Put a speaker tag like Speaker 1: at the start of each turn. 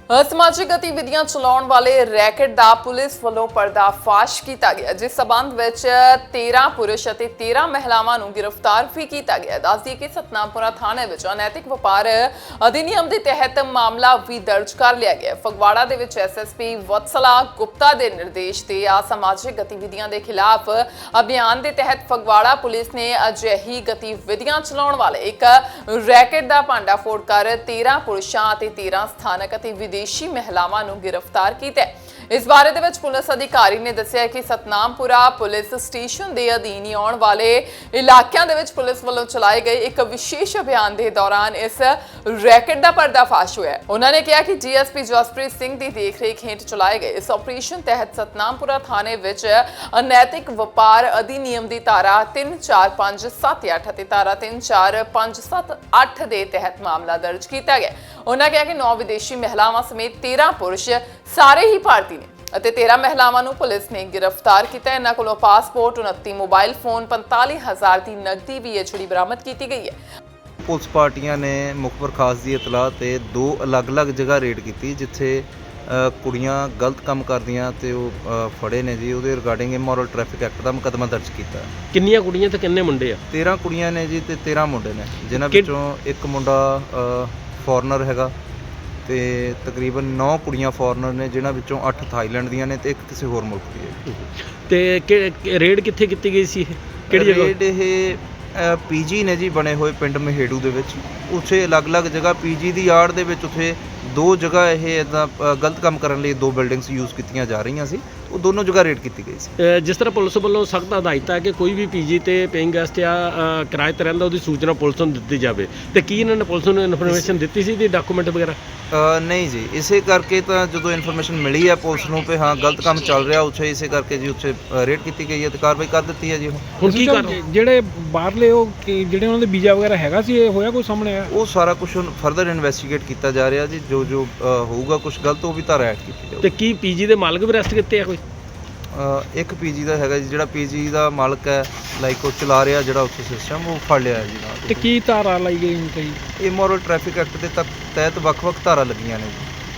Speaker 1: ਅਸਮਾਜਿਕ ਗਤੀਵਿਧੀਆਂ ਚਲਾਉਣ ਵਾਲੇ ਰੈਕਟ ਦਾ ਪੁਲਿਸ ਵੱਲੋਂ ਪਰਦਾਫਾਸ਼ ਕੀਤਾ ਗਿਆ, ਜਿਸ ਸਬੰਧ ਵਿੱਚ 13 ਪੁਰਸ਼ ਅਤੇ 13 ਮਹਿਲਾਵਾਂ ਨੂੰ ਗ੍ਰਿਫਤਾਰ ਵੀ ਕੀਤਾ ਗਿਆ। ਦੱਸਦੀ ਕਿ ਸਤਨਾਮਪੁਰਾ ਥਾਣੇ ਵਿੱਚ ਅਨੈਤਿਕ ਵਪਾਰ ਅਧਿਨਿਯਮ ਦੇ ਤਹਿਤ ਮਾਮਲਾ ਵੀ ਦਰਜ ਕਰ ਲਿਆ ਗਿਆ। ਫਗਵਾੜਾ ਦੇ ਵਿੱਚ ਐਸਐਸਪੀ ਵਤਸਲਾ ਗੁਪਤਾ ਦੇ ਨਿਰਦੇਸ਼ ਤੇ ਅਸਮਾਜਿਕ ਗਤੀਵਿਧੀਆਂ ਦੇ ਖਿਲਾਫ ਅਭਿਆਨ ਦੇ ਤਹਿਤ ਫਗਵਾੜਾ ਪੁਲਿਸ ਨੇ ਅਜਿਹੀ ਗਤੀਵਿਧੀਆਂ ਚਲਾਉਣ ਵਾਲੇ ਇੱਕ ਰੈਕਟ ਦਾ ਭੰਡਾਫੋੜ ਕਰ 13 ਪੁਰਸ਼ਾਂ ਅਤੇ 13 ਸਥਾਨਕ ਅਤੇ ਵਿਦੇਸ਼ੀ ਮਹਿਲਾਵਾਂ ਨੂੰ ਗ੍ਰਿਫਤਾਰ ਕੀਤਾ ਹੈ। ਇਸ ਬਾਰੇ ਦੇ ਵਿੱਚ ਪੁਲਿਸ ਅਧਿਕਾਰੀ ਨੇ ਦੱਸਿਆ ਕਿ ਸਤਨਾਮਪੁਰਾ ਪੁਲਿਸ ਸਟੇਸ਼ਨ ਦੇ ਅਧੀਨ ਆਉਣ ਵਾਲੇ ਇਲਾਕਿਆਂ ਦੇ ਵਿੱਚ ਪੁਲਿਸ ਵੱਲੋਂ ਚਲਾਏ ਗਏ ਇੱਕ ਵਿਸ਼ੇਸ਼ ਅਭਿਆਨ ਦੇ ਦੌਰਾਨ ਇਸ ਰੈਕਟ ਦਾ ਪਰਦਾਫਾਸ਼ ਹੋਇਆ। ਉਹਨਾਂ ਨੇ ਕਿਹਾ ਕਿ ਡੀਐਸਪੀ ਜਸਪ੍ਰੀਤ ਸਿੰਘ ਦੀ ਦੇਖਰੇਖ ਹੇਠ ਚਲਾਏ ਗਏ ਇਸ ਆਪਰੇਸ਼ਨ ਤਹਿਤ ਸਤਨਾਮਪੁਰਾ ਥਾਣੇ ਵਿੱਚ ਅਨੈਤਿਕ ਵਪਾਰ ਅਧਿਨਿਯਮ ਦੀ ਧਾਰਾ 34578 ਅਤੇ ਧਾਰਾ 34578 ਦੇ ਤਹਿਤ ਮਾਮਲਾ ਦਰਜ ਕੀਤਾ ਗਿਆ। ਉਹਨਾਂ ਕਿਹਾ ਕਿ 9 ਵਿਦੇਸ਼ੀ ਮਹਿਲਾਵਾਂ ਸਮੇਤ 13 ਪੁਰਸ਼ ਸਾਰੇ ਹੀ ਭਾਰਤੀ ਅਤੇ 13 ਮਹਿਲਾਵਾਂ ਨੂੰ ਪੁਲਿਸ ਨੇ ਗ੍ਰਿਫਤਾਰ ਕੀਤਾ। ਇਹਨਾਂ ਕੋਲੋਂ ਪਾਸਪੋਰਟ, 29 ਮੋਬਾਈਲ ਫੋਨ, 45,000 ਦੀ ਨਕਦੀ ਵੀ ਜਿਹੜੀ ਬਰਾਮਦ ਕੀਤੀ ਗਈ ਹੈ।
Speaker 2: ਪੁਲਿਸ ਪਾਰਟੀਆਂ ਨੇ ਮੁਖਬਰ ਖਾਸ ਦੀ ਇਤਲਾਹ ਤੇ 2 ਅਲੱਗ-ਅਲੱਗ ਜਗ੍ਹਾ ਰੇਡ ਕੀਤੀ, ਜਿੱਥੇ ਕੁੜੀਆਂ ਗਲਤ ਕੰਮ ਕਰਦੀਆਂ ਤੇ ਉਹ ਫੜੇ ਨੇ ਜੀ। ਉਹਦੇ ਰਿਗਾਰਡਿੰਗ ਇਮੋਰਲ ਟ੍ਰੈਫਿਕ ਐਕਟ ਦਾ ਮੁਕੱਦਮਾ ਦਰਜ ਕੀਤਾ।
Speaker 3: ਕਿੰਨੀਆਂ ਕੁੜੀਆਂ ਤੇ ਕਿੰਨੇ ਮੁੰਡੇ ਆ?
Speaker 2: 13 ਕੁੜੀਆਂ ਨੇ ਜੀ ਤੇ 13 ਮੁੰਡੇ ਨੇ, ਜਿਨ੍ਹਾਂ ਵਿੱਚੋਂ ਇੱਕ ਮੁੰਡਾ ਫੋਰਨਰ ਹੈਗਾ ਤੇ ਤਕਰੀਬਨ 9 ਕੁੜੀਆਂ ਫੋਰਨਰ ਨੇ, ਜਿਨ੍ਹਾਂ ਵਿੱਚੋਂ 8 ਥਾਈਲੈਂਡ ਦੀਆਂ ਨੇ ਤੇ ਇੱਕ ਕਿਸੇ ਹੋਰ ਮੁਲਕ ਦੀ ਹੈ।
Speaker 3: ਤੇ ਰੇਡ ਕਿੱਥੇ ਕੀਤੀ ਗਈ ਸੀ? ਕਿਹੜੀ ਜਗ੍ਹਾ?
Speaker 2: ਰੇਡ ਇਹ ਪੀਜੀ ਨੇ ਜੀ ਬਣੇ ਹੋਏ ਪਿੰਡ ਮਹੇੜੂ ਦੇ ਵਿੱਚ। ਉੱਥੇ ਅਲੱਗ-ਅਲੱਗ ਜਗ੍ਹਾ ਪੀਜੀ ਦੀ ਆੜ ਦੇ ਵਿੱਚ ਉੱਥੇ 2 ਜਗ੍ਹਾ ਇਹ ਇੱਦਾਂ ਗਲਤ ਕੰਮ ਕਰਨ ਲਈ 2 ਬਿਲਡਿੰਗਸ ਯੂਜ਼ ਕੀਤੀਆਂ ਜਾ ਰਹੀਆਂ ਸੀ। ਉਹ ਦੋਨੋਂ ਜਗ੍ਹਾ ਰੇਡ ਕੀਤੀ ਗਈ ਸੀ।
Speaker 3: ਜਿਸ ਤਰ੍ਹਾਂ ਪੁਲਿਸ ਵੱਲੋਂ ਸਖਤ ਹਦਾਇਤ ਹੈ ਕਿ ਕੋਈ ਵੀ ਪੀਜੀ ਤੇ ਪੇਇੰਗ ਗੈਸਟ ਜਾਂ ਕਿਰਾਏ ਤੇ ਰਹਿੰਦਾ ਉਹਦੀ ਸੂਚਨਾ ਪੁਲਿਸ ਨੂੰ ਦਿੱਤੀ ਜਾਵੇ, ਤੇ ਕੀ ਇਹਨਾਂ ਨੇ ਪੁਲਿਸ ਨੂੰ ਇਨਫੋਰਮੇਸ਼ਨ ਦਿੱਤੀ ਸੀ ਦੀ ਡਾਕੂਮੈਂਟ ਵਗੈਰਾ?
Speaker 2: ਨਹੀਂ ਜੀ, ਇਸੇ ਕਰਕੇ ਤਾਂ ਜਦੋਂ ਇਨਫੋਰਮੇਸ਼ਨ ਮਿਲੀ ਹੈ ਪੁਲਿਸ ਨੂੰ ਕਿ ਹਾਂ ਗਲਤ ਕੰਮ ਚੱਲ ਰਿਹਾ ਉੱਥੇ, ਇਸੇ ਕਰਕੇ ਜੀ ਉੱਥੇ ਰੇਡ ਕੀਤੀ ਗਈ ਹੈ ਤੇ ਕਾਰਵਾਈ ਕਰ ਦਿੱਤੀ ਹੈ ਜੀ।
Speaker 3: ਹੁਣ ਕੀ ਕਰ
Speaker 4: ਜਿਹੜੇ ਬਾਹਰਲੇ ਉਹ ਜਿਹੜੇ ਉਹਨਾਂ ਦੇ ਵੀਜ਼ਾ ਵਗੈਰਾ ਹੈਗਾ ਸੀ, ਇਹ ਹੋਇਆ ਕੋਈ ਸਾਹਮਣੇ ਆਇਆ?
Speaker 2: ਉਹ ਸਾਰਾ ਕੁਝ ਫਰਦਰ ਇਨਵੈਸਟੀਗੇਟ ਕੀਤਾ ਜਾ ਰਿਹਾ ਜੀ। ਜੋ ਹੋਊਗਾ ਕੁਝ ਗਲਤ ਉਹ ਵੀ ਧਾਰਾ ਐਡ ਕੀਤੀ ਜਾਊਗੀ।
Speaker 3: ਤੇ ਕੀ ਪੀਜੀ ਦੇ ਮਾਲਕ ਵੀ ਅਰੈਸਟ ਕੀਤੇ ਆ ਕੋਈ?
Speaker 2: ਇੱਕ ਪੀਜੀ ਦਾ ਹੈਗਾ ਜੀ, ਜਿਹੜਾ ਪੀਜੀ ਦਾ ਮਾਲਕ ਹੈ, ਲਾਈਕ ਉਹ ਚਲਾ ਰਿਹਾ ਜਿਹੜਾ ਉੱਥੇ ਸਿਸਟਮ, ਉਹ ਫੜ ਲਿਆ ਜੀ ਨਾਲ।
Speaker 4: ਤੇ ਕੀ ਧਾਰਾ ਲਾਈ ਗਈ ਹੁਣ ਤੇ?
Speaker 2: ਇਮੋਰਲ ਟ੍ਰੈਫਿਕ ਐਕਟ ਦੇ ਤਹਿਤ ਵੱਖ-ਵੱਖ ਧਾਰਾ ਲੱਗੀਆਂ ਨੇ ਜੀ।